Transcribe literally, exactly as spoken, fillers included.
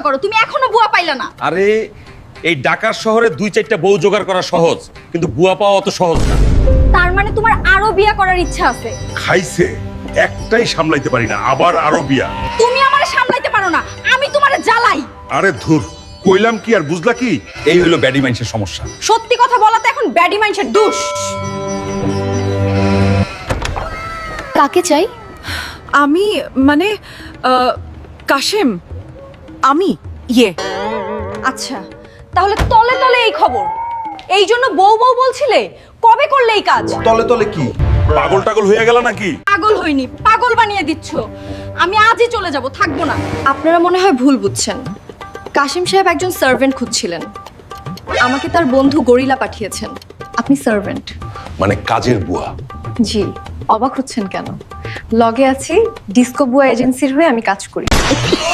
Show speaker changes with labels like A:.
A: অপেক্ষা করো, তুমি এখনো বুয়া পাইলা না।
B: আরে এই ঢাকার শহরে দুই চারটা বউ জোগাড় করা সহজ, কিন্তু বুয়া পাওয়া অত সহজ না।
A: তার মানে তোমার আরো বিয়া করার ইচ্ছা আছে?
C: খাইছে একটাই সামলাইতে পারি না, আবার আরো বিয়া।
A: তুমি আমারে সামলাইতে পারো না, আমি তোমারে জ্বালাই।
C: আরে ধুর, কইলাম কি আর বুঝলা কি?
B: এই হলো ব্যাডি মাইন্ডসের সমস্যা।
A: সত্যি কথা বলাতে এখন ব্যাডি মাইন্ডসের দোষ। কাকে চাই?
D: আমি মানে আহ, কাশেম, আমি ইয়ে
A: আচ্ছা, তাহলে তলে তলে এই খবর, এই জন্য বউ বউ বলছিলে? কবে করলে এই কাজ?
C: তলে তলে কি পাগল টাগল হয়ে গেল নাকি?
A: পাগল হইনি, পাগল বানিয়ে দিচ্ছ। আমি আজই চলে যাব, থাকবো না। আপনারা মনে হয় ভুল বুঝছেন। কাশিম সাহেব একজন সার্ভেন্ট খুঁজছিলেন, আমাকে তার বন্ধু গরিলা পাঠিয়েছেন। আপনি সার্ভেন্ট?
C: মানে কাজের বুয়া?
A: জি। অবাক হচ্ছেন কেন? লগে আছি ডিস্কো বুয়া এজেন্সির হয়ে আমি কাজ করি।